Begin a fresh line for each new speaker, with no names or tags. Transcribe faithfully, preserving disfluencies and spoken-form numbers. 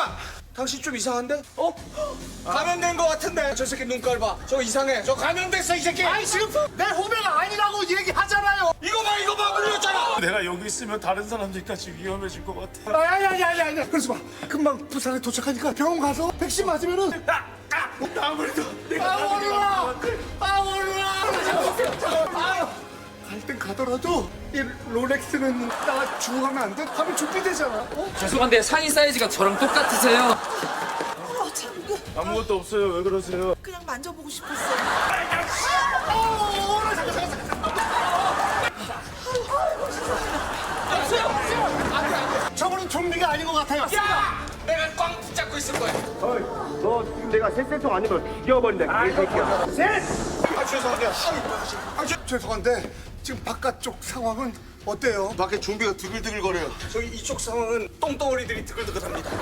잠깐만! 당신 좀 이상한데? 어? 감염된 거 같은데? 저 새끼 눈깔 봐. 저 이상해. 저 감염됐어, 이 새끼!
아니 지금 내 후배가 아니라고 얘기하잖아요.
이거 봐, 이거 봐, 물렸잖아!
내가 여기 있으면 다른 사람들까지 위험해질 것 같아.
아니 아니 아니 아니. 그래서 봐. 금방 부산에 도착하니까 병원 가서 백신 맞으면은.
아무래도
아 오르라. 아 오르라. 갈 땐 가더라도 이 롤렉스는 나가 주고 가면 안 돼? 하면 준비되잖아. 어?
죄송한데 상의 사이즈가 저랑 똑같으세요.
어, 참, 그,
아무것도 없어요. 왜 그러세요?
그냥 만져보고 싶었어.
어, 오르라. 잠깐 잠깐 잠깐. 저분은 좀비가 아닌 것 같아요.
야! 내가 꽝 붙잡고 있을 거야.
너 지금 내가 셋셋통 아니면 죽여버린다 개새끼야.
아 죄송합니다. 아 죄- 죄송한데 지금 바깥쪽 상황은 어때요?
밖에 좀비가 드글드글 거려요. 저기 이쪽 상황은 똥덩어리들이 드글드글합니다.